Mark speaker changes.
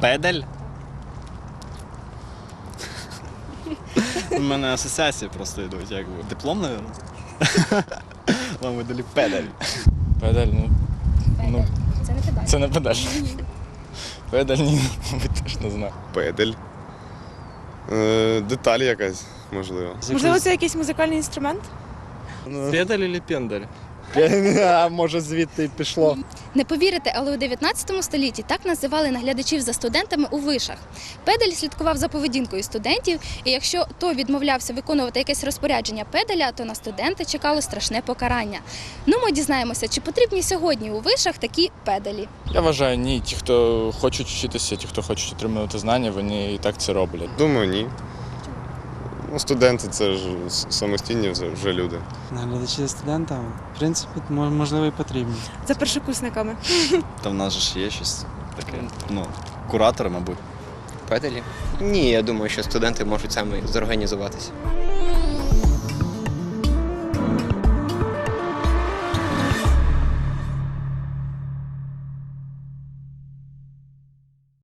Speaker 1: Педель? У мене асоціації просто йдуть, як би. Диплом, мабуть? Вам видали педель.
Speaker 2: Педаль, ну,
Speaker 3: Це не педаль.
Speaker 2: це не педаль. Педаль, ні, мабуть, теж не знаю.
Speaker 4: Педель. Деталь якась, можливо.
Speaker 5: Можливо, це якийсь музикальний інструмент?
Speaker 2: Педаль чи пендаль?
Speaker 6: А може звідти й пішло.
Speaker 3: Не повірите, але у 19 столітті так називали наглядачів за студентами у вишах. Педель слідкував за поведінкою студентів, і якщо той відмовлявся виконувати якесь розпорядження педеля, то на студента чекало страшне покарання. Ну, ми дізнаємося, чи потрібні сьогодні у вишах такі педелі.
Speaker 2: Я вважаю, ні. Ті, хто хочуть вчитися, ті, хто хочуть отримувати знання, вони і так це роблять.
Speaker 4: Думаю, ні. Ну, студенти це ж самостійні вже люди.
Speaker 7: Наглядачі за студентами, в принципі, можливо, і потрібні.
Speaker 5: За першокурсниками.
Speaker 1: Та в нас же ж є щось таке, куратори, мабуть.
Speaker 8: Педелі? Ні, я думаю, що студенти можуть самі зорганізуватися.